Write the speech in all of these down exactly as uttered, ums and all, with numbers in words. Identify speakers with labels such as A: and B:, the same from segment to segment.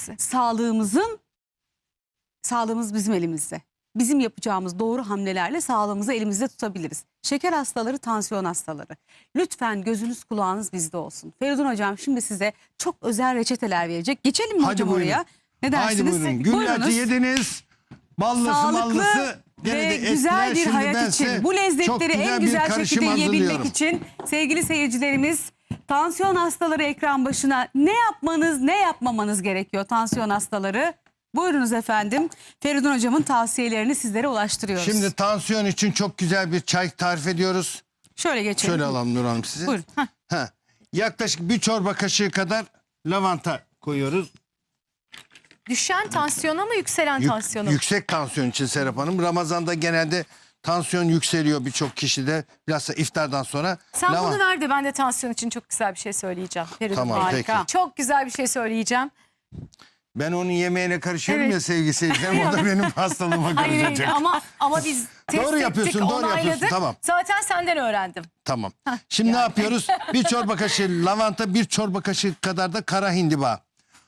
A: elimizde.
B: Sağlığımızın, sağlığımız bizim elimizde. Bizim yapacağımız doğru hamlelerle sağlığımızı elimizde tutabiliriz. Şeker hastaları, tansiyon hastaları. Lütfen gözünüz kulağınız bizde olsun. Feridun hocam şimdi size çok özel reçeteler verecek. Geçelim mi
C: Hadi
B: hocam
C: buyurun.
B: oraya? Ne dersiniz?
C: Haydi buyurun. Güllaçı yediniz. Ballısı
B: Sağlıklı
C: mallısı. Gene
B: ve
C: de etkiler.
B: güzel bir
C: Şimdi
B: hayat
C: bense
B: için, bu
C: çok
B: lezzetleri
C: güzel
B: en
C: bir
B: güzel
C: karışım
B: şekilde yiyebilmek
C: hazırlıyorum.
B: için sevgili seyircilerimiz, tansiyon hastaları ekran başına ne yapmanız, ne yapmamanız gerekiyor tansiyon hastaları? Buyurunuz efendim. Feridun hocamın tavsiyelerini sizlere ulaştırıyoruz.
C: Şimdi tansiyon için çok güzel bir çay tarif ediyoruz.
B: şöyle geçelim.
C: Şöyle alalım Nur Hanım sizi.
B: Buyurun. Heh.
C: Heh. Yaklaşık bir çorba kaşığı kadar lavanta koyuyoruz.
A: Düşen tansiyona mı yükselen
C: Yük-
A: tansiyona mı?
C: yüksek tansiyon için Serap Hanım. Ramazan'da genelde tansiyon yükseliyor birçok kişide. Bilhassa iftardan sonra.
A: Sen
C: Lavan-
A: bunu ver de ben de tansiyon için çok güzel bir şey söyleyeceğim. Feridun,
C: Tamam,
A: harika.
C: peki.
A: Çok güzel bir şey söyleyeceğim.
C: Ben onun yemeğine karışıyorum
A: Evet.
C: ya sevgili seyircilerim. O da benim hastalığıma
A: Hayır,
C: karışacak.
A: hayır ama ama biz test
C: Doğru yapıyorsun,
A: ettik,
C: doğru yapıyorsun,
A: onayladık.
C: tamam.
A: Zaten senden öğrendim.
C: Tamam. Şimdi ne yapıyoruz? Bir çorba kaşığı lavanta, bir çorba kaşığı kadar da kara hindiba.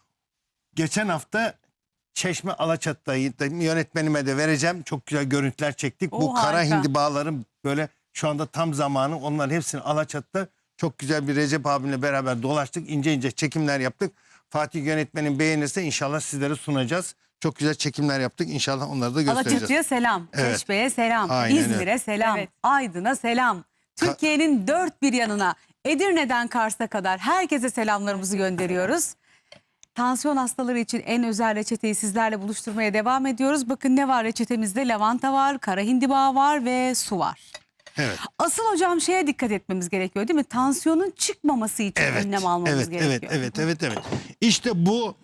C: Geçen hafta Çeşme Alaçatı'dayı da yönetmenime de vereceğim. Çok güzel görüntüler çektik.
B: Oo,
C: Bu kara
B: harika.
C: hindibaların böyle şu anda tam zamanı. Onların hepsini Alaçatı'da çok güzel bir Recep abimle beraber dolaştık. İnce ince çekimler yaptık. Fatih yönetmenin beğenirse inşallah sizlere sunacağız. Çok güzel çekimler yaptık. İnşallah onları da göstereceğiz.
B: Alaçatı'ya selam,
C: Evet.
B: Çeşme'ye selam,
C: Aynen öyle.
B: İzmir'e selam,
A: Evet.
B: Aydın'a selam. Türkiye'nin dört bir yanına, Edirne'den Kars'a kadar herkese selamlarımızı gönderiyoruz. Tansiyon hastaları için en özel reçeteyi sizlerle buluşturmaya devam ediyoruz. Bakın ne var reçetemizde? Lavanta var, kara hindiba var ve su var.
C: Evet.
B: Asıl hocam şeye dikkat etmemiz gerekiyor değil mi? Tansiyonun çıkmaması için
C: Evet,
B: önlem almamız
C: evet,
B: gerekiyor.
C: evet, evet, evet, evet. İşte bu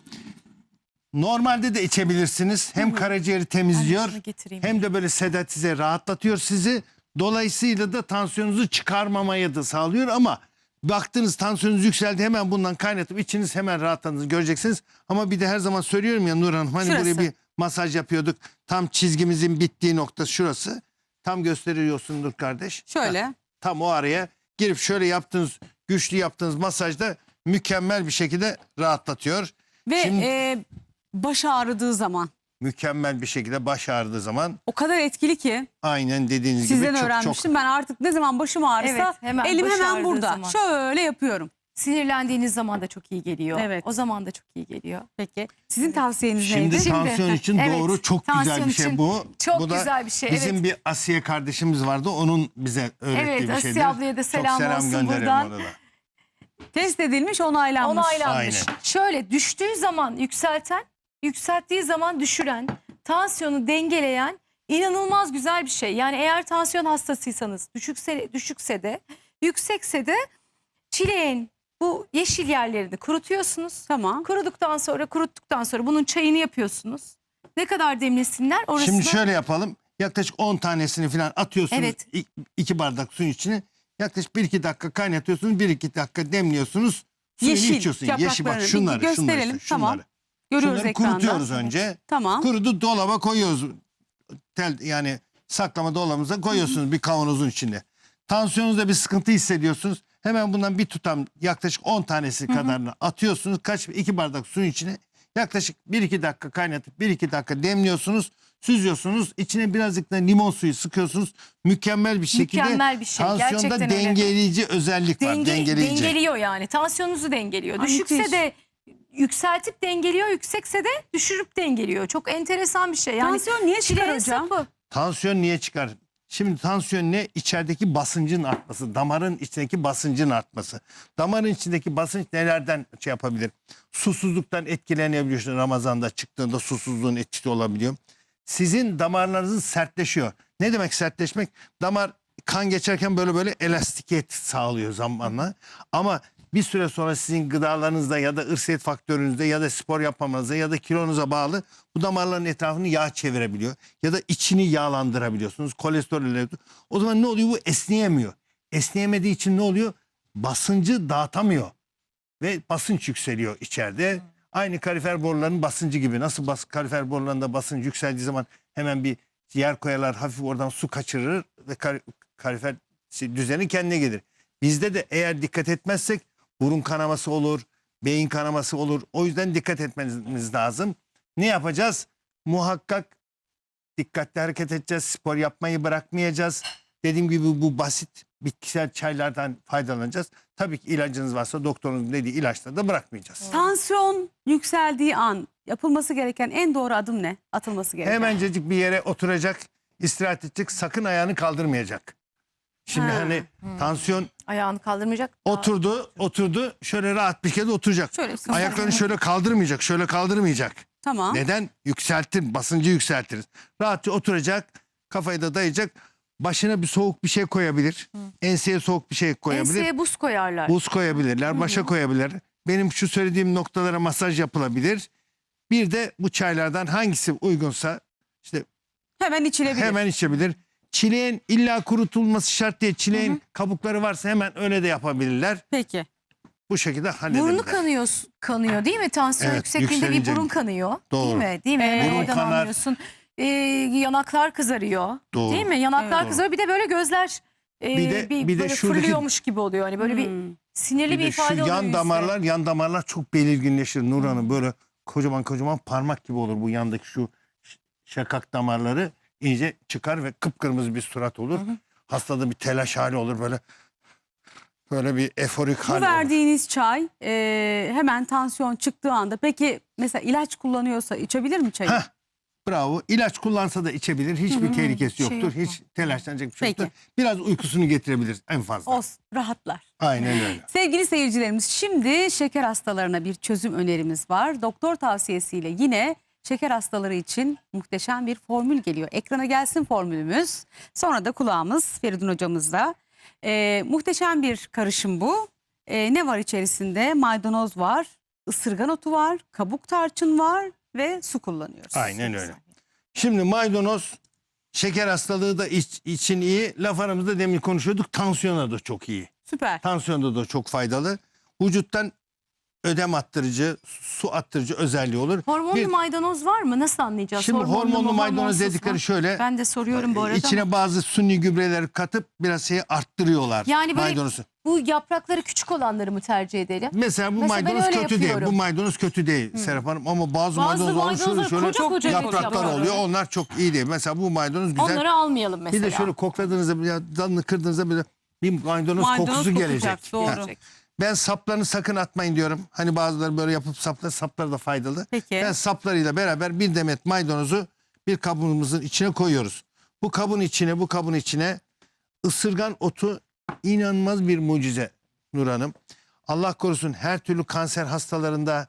C: normalde de içebilirsiniz. Hem karaciğeri temizliyor,
A: şunu getireyim.
C: hem de böyle sedatize rahatlatıyor sizi. Dolayısıyla da tansiyonunuzu çıkarmamaya da sağlıyor ama baktınız tansiyonunuz yükseldi, hemen bundan kaynatıp içiniz hemen rahatladığınızı göreceksiniz. Ama bir de her zaman söylüyorum ya Nur Hanım, hani
B: Şurası.
C: buraya bir masaj yapıyorduk. Tam çizgimizin bittiği nokta şurası. Tam gösteriyorsundur kardeş.
B: Şöyle.
C: Heh, tam o araya girip şöyle yaptığınız, güçlü yaptığınız masajda mükemmel bir şekilde rahatlatıyor.
B: Ve
C: Şimdi
B: e, baş ağrıdığı zaman
C: mükemmel bir şekilde baş ağrıdığı zaman
B: o kadar etkili ki
C: aynen dediğiniz
B: sizden
C: gibi çok
B: öğrenmiştim.
C: çok
B: Ben artık ne zaman başım ağrısa
A: Evet, hemen
B: elim
A: baş
B: hemen
A: ağrıdığı
B: burada.
A: zaman.
B: Şöyle yapıyorum.
A: Sinirlendiğiniz zaman da çok iyi geliyor.
B: Evet.
A: O zaman da çok iyi geliyor.
B: Peki sizin tavsiyeniz
C: Şimdi
B: neydi?
C: tansiyon için
A: evet,
C: doğru, çok güzel
A: tansiyon
C: bir şey
A: için
C: bu.
A: çok
C: bu da
A: güzel bir şey,
C: Bizim
A: evet.
C: bir Asiye kardeşimiz vardı, onun bize öğrettiği
A: Evet,
C: bir
A: Asiye
C: şeydir.
A: ablaya da selam
C: çok selam
A: olsun
C: gönderelim
A: buradan.
C: ona da.
B: Test edilmiş, onaylanmış.
A: Onaylanmış.
C: Aynen.
A: Şöyle düştüğü zaman yükselten, yükselttiği zaman düşüren, tansiyonu dengeleyen inanılmaz güzel bir şey. Yani eğer tansiyon hastasıysanız düşükse, düşükse de yüksekse de çileğin bu yeşil yerlerini kurutuyorsunuz.
B: Tamam.
A: Kuruduktan sonra kuruttuktan sonra bunun çayını yapıyorsunuz. Ne kadar demlesinler orasını.
C: Şimdi şöyle yapalım. Yaklaşık on tanesini falan atıyorsunuz.
A: Evet.
C: İ- iki bardak suyun içine. Yaklaşık bir iki dakika kaynatıyorsunuz. bir iki dakika demliyorsunuz. Suyunu
B: Yeşil
C: içiyorsun. Yeşil bak
B: yapraklarını bir
C: şunları, şunları,
B: gösterelim.
C: işte,
B: Tamam.
C: şunları.
B: Görüyoruz
C: Şunları
B: ekranda.
C: kurutuyoruz önce.
B: Tamam.
C: Kurudu dolaba koyuyoruz. Tel, yani saklama dolabımıza koyuyorsunuz bir kavanozun içinde. Tansiyonunuzda bir sıkıntı hissediyorsunuz. Hemen bundan bir tutam yaklaşık on tanesi kadarını atıyorsunuz. Kaç iki bardak suyun içine yaklaşık bir iki dakika kaynatıp bir iki dakika demliyorsunuz. Süzüyorsunuz. İçine birazcık da limon suyu sıkıyorsunuz. Mükemmel bir şekilde
A: Mükemmel bir şey.
C: tansiyonda
A: Gerçekten öyle.
C: dengeleyici özellik var.
A: Denge,
C: Dengeleyici.
A: dengeliyor yani. Tansiyonunuzu dengeliyor.
B: Ay,
A: Düşükse
B: müthiş.
A: de yükseltip dengeliyor, yüksekse de düşürüp dengeliyor. Çok enteresan bir şey. Yani
B: Tansiyon niye çıkar
A: çileğin
B: hocam?
A: sapı.
C: Tansiyon niye çıkar? Şimdi tansiyon ne? İçerideki basıncın artması. Damarın içindeki basıncın artması. Damarın içindeki basınç nelerden şey yapabilir? Susuzluktan etkilenebiliyorsun. Ramazan'da çıktığında susuzluğun etkisi olabiliyor. Sizin damarlarınız sertleşiyor. Ne demek sertleşmek? Damar kan geçerken böyle böyle elastikiyet sağlıyor zamanla. Ama bir süre sonra sizin gıdalarınızda ya da ırsiyet faktörünüzde ya da spor yapmamanıza ya da kilonuza bağlı bu damarların etrafını yağ çevirebiliyor. Ya da içini yağlandırabiliyorsunuz. Kolesterol. O zaman ne oluyor? Bu esneyemiyor. Esneyemediği için ne oluyor? Basıncı dağıtamıyor. Ve basınç yükseliyor içeride. Aynı kalifer borularının basıncı gibi. Nasıl bas, kalifer borularında basınç yükseldiği zaman hemen bir yer koyarlar, hafif oradan su kaçırır ve kal, kalifer şey, düzeni kendine gelir. Bizde de eğer dikkat etmezsek burun kanaması olur, beyin kanaması olur. O yüzden dikkat etmeniz lazım. Ne yapacağız? Muhakkak dikkatli hareket edeceğiz. Spor yapmayı bırakmayacağız. Dediğim gibi bu basit bitkisel çaylardan faydalanacağız. Tabii ki ilacınız varsa doktorunun dediği ilaçları da bırakmayacağız.
B: Tansiyon yükseldiği an yapılması gereken en doğru adım ne? Atılması gereken.
C: Hemencecik bir yere oturacak, istirahat edecek, sakın ayağını kaldırmayacak. Şimdi
B: Ha.
C: hani tansiyon
A: Ayağını kaldırmayacak.
C: oturdu, oturdu, şöyle rahat bir kere oturacak.
B: Şöyle sıkı-
C: Ayaklarını şöyle kaldırmayacak, şöyle kaldırmayacak.
B: Tamam.
C: Neden? Yükseltir, basıncı yükseltiriz. Rahatça oturacak, kafayı da dayayacak. Başına bir soğuk bir şey koyabilir. Enseye soğuk bir şey koyabilir.
A: Enseye buz koyarlar.
C: Buz koyabilirler, başa koyabilirler. Benim şu söylediğim noktalara masaj yapılabilir. Bir de bu çaylardan hangisi uygunsa işte
B: Hemen içilebilir.
C: hemen içebilir. Çileğin illa kurutulması şart değil. Çileğin kabukları varsa hemen öyle de yapabilirler.
B: Peki.
C: Bu şekilde halledebilirler.
A: Burnu kanıyor, kanıyor değil mi? Tansiyon
C: Evet,
A: yüksekliğinde bir
C: yükselince-
A: burun kanıyor.
C: Doğru.
A: Değil mi? Değil mi?
B: Ee,
A: Hemen
C: Burun
A: oradan
C: kanar.
A: anlıyorsun. Ee, yanaklar kızarıyor.
C: Doğru.
A: Değil mi? Yanaklar
B: Evet.
A: kızarıyor. Bir de böyle gözler e,
C: Bir de- bir de
A: böyle
C: şuradaki-
A: fırlıyormuş gibi oluyor. Hani böyle bir
B: Hmm.
A: sinirli
C: Bir
A: bir,
C: de şu
A: ifade oluyor
C: yan
A: yüzde.
C: damarlar, yan damarlar çok belirginleşir Nur Hanım. Böyle kocaman kocaman parmak gibi olur bu yandaki şu ş- şakak damarları iyice çıkar ve kıpkırmızı bir surat olur. Hastada bir telaş hali olur böyle. Böyle bir eforik
B: Bu
C: hal olur.
B: verdiğiniz çay e, hemen tansiyon çıktığı anda peki mesela ilaç kullanıyorsa içebilir mi çayı?
C: Heh, bravo. İlaç kullansa da içebilir. Hiçbir tehlikesi
A: Şey
C: yoktur.
A: yok.
C: Hiç telaşlanacak bir şey
B: Peki.
C: yoktur. Biraz uykusunu getirebilir en fazla.
B: Olsun, rahatlar.
C: Aynen öyle.
B: Sevgili seyircilerimiz, şimdi şeker hastalarına bir çözüm önerimiz var. Doktor tavsiyesiyle yine şeker hastaları için muhteşem bir formül geliyor. Ekrana gelsin formülümüz. Sonra da kulağımız Feridun hocamızda. Ee, muhteşem bir karışım bu. Ee, ne var içerisinde? Maydanoz var, ısırgan otu var, kabuk tarçın var ve su kullanıyoruz.
C: Aynen öyle. Şimdi maydanoz şeker hastalığı da iç- için iyi. Laf aramızda demin konuşuyorduk. Tansiyona da çok iyi.
B: Süper.
C: Tansiyonda da çok faydalı. Vücuttan ödem attırıcı, su attırıcı özelliği olur.
A: Hormonlu
C: Bir-
A: maydanoz var mı? Nasıl anlayacağız?
C: Şimdi hormonlu
A: mu,
C: maydanoz
A: hormonsuz
C: dedikleri
A: mu?
C: şöyle.
A: Ben de soruyorum bu arada.
C: İçine bazı suni gübreler katıp biraz şeyi arttırıyorlar.
A: Yani böyle
C: maydanozu.
A: bu yaprakları küçük olanları mı tercih edelim?
C: Mesela bu
A: Mesela ben
C: maydanoz
A: öyle
C: kötü değil.
A: yapıyorum.
C: Bu maydanoz kötü değil Serap Hanım. Ama bazı,
A: Bazı
C: maydanozlar şöyle
A: maydanozlar
C: şöyle
A: koca koca
C: yapraklar
A: yapraklar.
C: oluyor. Onlar çok iyi değil. Mesela bu maydanoz güzel.
A: Onları almayalım mesela.
C: Bir de şöyle kokladığınızda ya dalını kırdığınızda böyle bir maydanoz,
B: Maydanoz
C: kokusu
B: kokacak,
C: gelecek.
B: doğru.
C: Ha. Ben saplarını sakın atmayın diyorum. Hani bazıları böyle yapıp saplar, saplar da faydalı.
B: Peki.
C: Ben saplarıyla beraber bir demet maydanozu bir kabımızın içine koyuyoruz. Bu kabın içine, bu kabın içine ısırgan otu inanılmaz bir mucize Nur Hanım. Allah korusun her türlü kanser hastalarında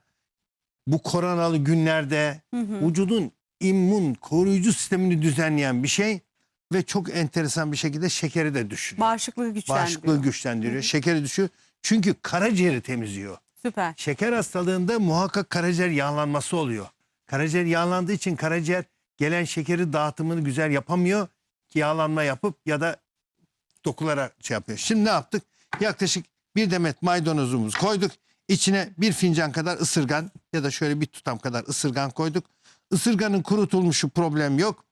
C: bu koronalı günlerde vücudun immün koruyucu sistemini düzenleyen bir şey ve çok enteresan bir şekilde şekeri de düşürüyor.
B: Bağışıklığı güçlendiriyor.
C: Bağışıklığı güçlendiriyor. Şekeri düşüyor. Çünkü karaciğeri temizliyor.
B: Süper.
C: Şeker hastalığında muhakkak karaciğer yağlanması oluyor. Karaciğer yağlandığı için karaciğer gelen şekeri dağıtımını güzel yapamıyor. Yağlanma yapıp ya da dokulara şey yapıyor. Şimdi ne yaptık? Yaklaşık bir demet maydanozumuzu koyduk. İçine bir fincan kadar ısırgan ya da şöyle bir tutam kadar ısırgan koyduk. Isırganın kurutulmuşu problem yok.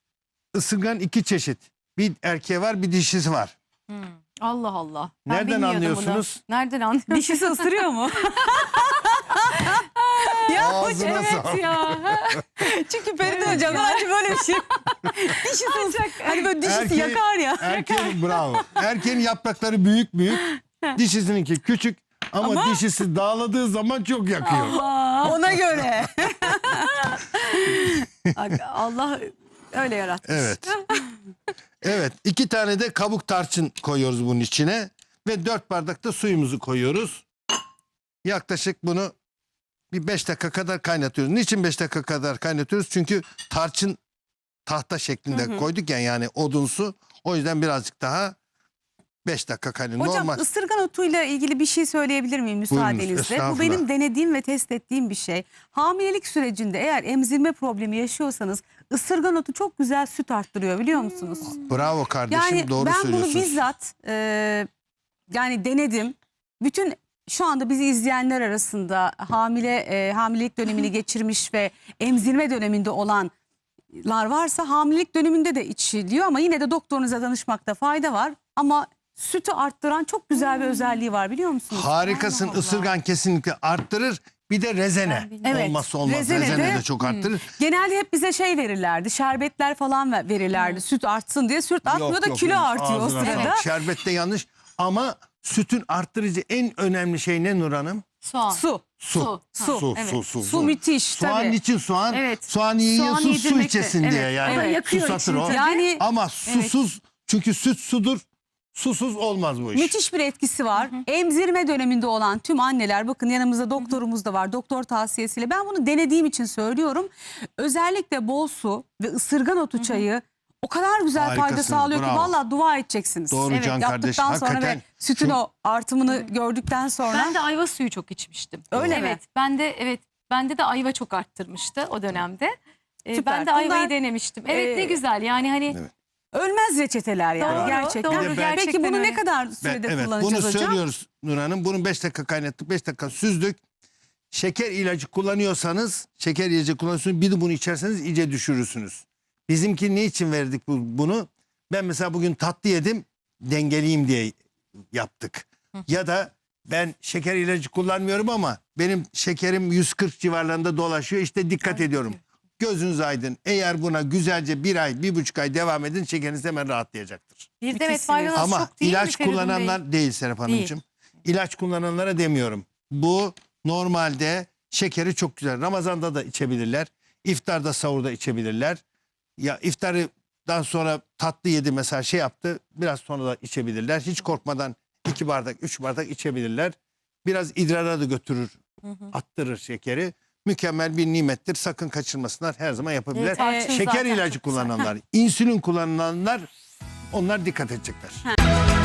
C: Isırgan iki çeşit. Bir erkeği var, bir dişisi var.
A: Allah Allah. Ben
C: Nereden
A: bilmiyordum
C: anlıyorsunuz?
A: Bunu. Nereden anlıyorsunuz?
B: Dişisi ısırıyor mu? ya
C: Ağzına
B: hocam,
C: sağlık.
A: ya.
B: çünkü Feridun hocam hani böyle bir şey. Dişisi ısırıyor. Hani böyle dişisi
C: Erkeğin-
B: yakar ya.
C: Erkeğin bravo. Erkeğin yaprakları büyük büyük. Dişisininki küçük ama, dişisi dağladığı zaman çok yakıyor.
B: Ona göre.
A: Allah öyle yaratmış.
C: Evet. Evet. iki tane de kabuk tarçın koyuyoruz bunun içine. Ve dört bardak da suyumuzu koyuyoruz. Yaklaşık bunu bir beş dakika kadar kaynatıyoruz. Niçin beş dakika kadar kaynatıyoruz? Çünkü tarçın tahta şeklinde koyduk ya, yani odunsu. O yüzden birazcık daha beş dakika kaynatıyoruz.
B: Hocam
C: Normal.
B: ısırgan otuyla ilgili bir şey söyleyebilir miyim müsaadenizle? Bu
C: estağfurullah.
B: benim denediğim ve test ettiğim bir şey. Hamilelik sürecinde eğer emzirme problemi yaşıyorsanız ısırgan otu çok güzel süt arttırıyor, biliyor musunuz?
C: Bravo kardeşim,
B: Yani
C: doğru
B: ben bunu
C: söylüyorsunuz.
B: bizzat e, yani denedim. Bütün şu anda bizi izleyenler arasında hamile e, hamilelik dönemini geçirmiş ve emzirme döneminde olanlar varsa hamilelik döneminde de içiliyor ama yine de doktorunuza danışmakta fayda var. Ama sütü arttıran çok güzel bir özelliği var biliyor musunuz?
C: Harikasın.
A: Allah Allah.
C: Isırgan kesinlikle arttırır. Bir de rezene.
A: Ben bilmiyorum.
B: Evet,
C: Olmazsa olmaz.
B: rezene
C: Rezene,
B: de-
C: de çok arttırır.
B: Genelde hep bize şey verirlerdi, şerbetler falan ver- verirlerdi. Süt artsın diye. Süt artmıyor
C: Yok,
B: da
C: yok,
B: kilo
C: yok.
B: artıyor o
C: Ağzına
B: sırada.
C: sağlık. Şerbet de yanlış. Ama sütün arttırıcı en önemli şey ne Nur Hanım?
A: Soğan.
B: Su.
C: Su.
A: Su.
B: Su.
C: Su,
A: Evet.
C: su, su,
B: Su müthiş
C: Soğan
B: tabii.
C: için soğan.
A: Evet.
C: Soğan yiyorsun
A: Soğan
C: su
A: yedirmek de-
C: içesin
A: evet.
C: diye yani.
A: Ama yakıyor
C: Susatır
A: içini
C: o.
A: tabii.
B: Yani
C: Ama susuz çünkü süt sudur. Susuz olmaz bu iş.
B: müthiş bir etkisi var. Emzirme döneminde olan tüm anneler, bakın yanımızda doktorumuz da var. Doktor tavsiyesiyle ben bunu denediğim için söylüyorum. Özellikle bol su ve ısırgan otu çayı o kadar güzel fayda
C: Harikasınız,
B: sağlıyor ki
C: bravo.
B: vallahi dua edeceksiniz.
C: Doğru
B: Evet,
C: Can kardeş,
B: yaptıktan sonra ve
C: hakikaten
B: sütün
C: çok-
B: o artımını gördükten sonra.
A: Ben de ayva suyu çok içmiştim.
B: Öyle mi?
A: Evet. Ben de evet. Bende de ayva çok arttırmıştı o dönemde. Ee,
B: Süper.
A: ben de ayvayı
B: Bunlar,
A: denemiştim. Evet ne
B: e,
A: güzel. Yani hani
C: Evet.
B: Ölmez reçeteler yani
A: Doğru,
B: gerçekten.
A: doğru,
C: Bir de ben-
B: Peki
A: gerçekten
B: bunu
A: öyle.
B: ne kadar
C: Ben-
B: sürede
C: evet,
B: kullanacağız
C: bunu
B: hocam?
C: söylüyoruz Nur Hanım. Bunu beş dakika kaynattık, beş dakika süzdük. Şeker ilacı kullanıyorsanız, şeker ilacı kullanıyorsunuz, bir de bunu içerseniz iyice düşürürsünüz. Bizimki ne için verdik bu, bunu? Ben mesela bugün tatlı yedim, dengeleyeyim diye yaptık. Ya da ben şeker ilacı kullanmıyorum ama benim şekerim yüz kırk civarlarında dolaşıyor. İşte dikkat ediyorum. Gözünüz aydın. Eğer buna güzelce bir ay, bir buçuk ay devam edin, şekeriniz hemen rahatlayacaktır.
A: bir de evet
B: Müthişsiniz.
A: maydanoz
C: Ama
A: çok değil mi
C: ilaç
A: Feridun Bey?
C: kullananlar değil Serap Hanımcığım. İlaç kullananlara demiyorum. Bu normalde şekeri çok güzel. Ramazan'da da içebilirler. İftarda, sahurda içebilirler. Ya iftardan sonra tatlı yedi mesela şey yaptı. Biraz sonra da içebilirler. Hiç korkmadan iki bardak, üç bardak içebilirler. Biraz idrara da götürür, attırır şekeri. Mükemmel bir nimettir. Sakın kaçırmasınlar. Her zaman yapabilirler.
A: Evet, tarçın
C: Şeker
A: zaten
C: ilacı
A: çok güzel.
C: kullananlar, insülin kullananlar onlar dikkat edecekler.